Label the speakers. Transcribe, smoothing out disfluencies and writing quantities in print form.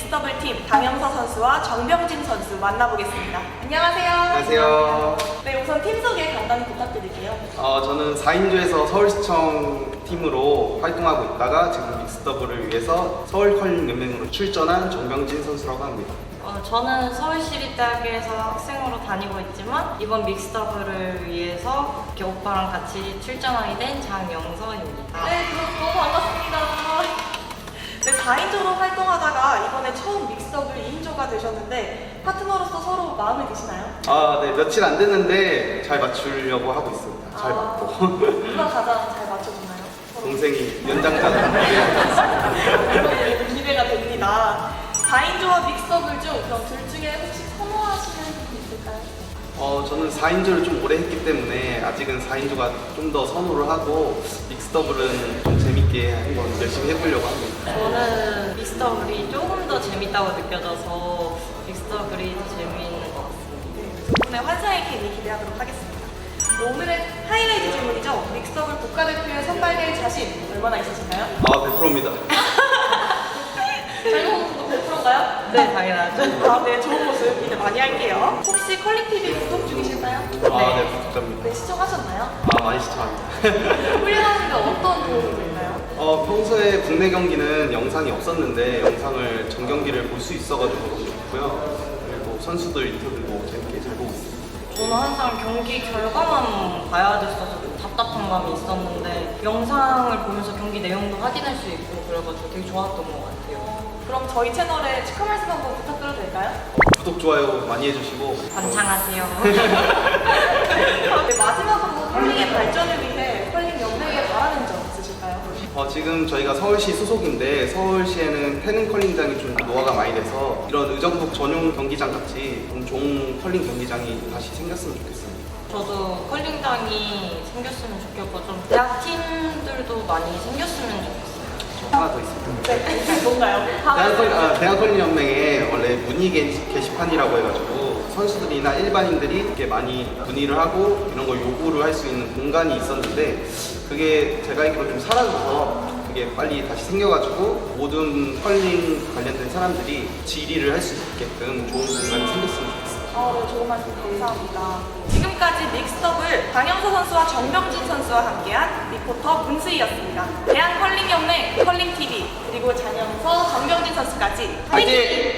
Speaker 1: 믹스더블팀 강영서 선수와 정병진 선수 만나보겠습니다. 안녕하세요.
Speaker 2: 안녕하세요.
Speaker 1: 네, 우선 팀 소개 간단히 부탁드릴게요.
Speaker 2: 저는 4인조에서 서울시청 팀으로 활동하고 있다가 지금 믹스더블을 위해서 서울컬링연맹으로 출전한 정병진 선수라고 합니다.
Speaker 3: 저는 서울시립대학교에서 학생으로 다니고 있지만 이번 믹스더블을 위해서 이렇게 오빠랑 같이 출전하게 된 장영서입니다.
Speaker 1: 네, 너무 반갑습니다. 네, 4인조로 활동하다가 이번에 처음 믹스더블 2인조가 되셨는데 파트너로서 서로 마음에 드시나요?
Speaker 2: 네, 며칠 안 됐는데 잘 맞추려고 하고 있습니다. 잘 맞고.
Speaker 1: 누가 가장 잘 맞춰주나요?
Speaker 2: 동생이 연장자가
Speaker 1: 기대가 됩니다. 4인조와 믹스더블 중 그럼 둘 중에 혹시 선호하시는 분이 있을까요?
Speaker 2: 저는 4인조를 좀 오래 했기 때문에 아직은 4인조가 좀 더 선호를 하고 믹스더블은 좀 재밌게 한번 열심히 해보려고 합니다.
Speaker 3: 저는 믹스더블이 조금 더 재밌다고 느껴져서 믹스더블이 더 재미있는 것 같습니다.
Speaker 1: 네, 두 분의 환상의 케미 기대하도록 하겠습니다. 오늘의 하이라이트 질문이죠. 믹스더블 국가대표에 선발될 자신 얼마나 있으신가요?
Speaker 2: 100%입니다.
Speaker 1: 장동훈 선수 100%인가요?
Speaker 3: 네, 당연하죠.
Speaker 1: 네, 좋은 모습 기대 많이 할게요. 혹시 컬링TV 구독 중이실까요?
Speaker 2: 네, 부탁드립니다.
Speaker 1: 네, 시청하셨나요?
Speaker 2: 많이 시청합니다.
Speaker 1: 훈련하는데 어떤 도움이 될까요?
Speaker 2: 평소에 국내 경기는 영상이 없었는데 영상을 전 경기를 볼 수 있어가지고 너무 좋고요. 그리고 선수들 인터뷰도 재밌게 잘 보고 있습니다.
Speaker 3: 저는 항상 경기 결과만 봐야 됐어서 좀 답답한 감이 있었는데 영상을 보면서 경기 내용도 확인할 수 있고 그래가지고 되게 좋았던 것 같아요.
Speaker 1: 그럼 저희 채널에 축하 말씀 한번 부탁드려도 될까요?
Speaker 2: 구독, 좋아요 많이 해주시고
Speaker 3: 반창하세요.
Speaker 1: 네, 마지막으로 컬링의 발전을 위해 컬링 연맹에 바라는 점 있으실까요?
Speaker 2: 지금 저희가 서울시 소속인데 서울시에는 태릉 컬링장이 좀 노화가 많이 돼서 이런 의정부 전용 경기장 같이 좀 좋은 컬링 경기장이 다시 생겼으면 좋겠습니다.
Speaker 3: 저도 컬링장이 생겼으면 좋겠고 좀 대학 팀들도 많이 생겼으면 좋겠어요.
Speaker 2: 하나 더 있습니다.
Speaker 1: 네, 뭔가요?
Speaker 2: 대한컬링연맹에 원래 문의 게시판이라고 해가지고 선수들이나 일반인들이 이렇게 많이 문의를 하고 이런 걸 요구를 할 수 있는 공간이 있었는데 그게 제가 알기로 좀 사라져서 그게 빨리 다시 생겨가지고 모든 컬링 관련된 사람들이 질의를 할 수 있게끔 좋은 공간이 생겼으면 좋겠어요.
Speaker 1: 네, 좋은 말씀 감사합니다. 지금까지 믹스더블 강영서 선수와 정병진 선수와 함께한 리포터 문수희였습니다. 대한컬링연맹 컬링TV 그리고 장영서, 정병진 선수까지
Speaker 2: 화이팅!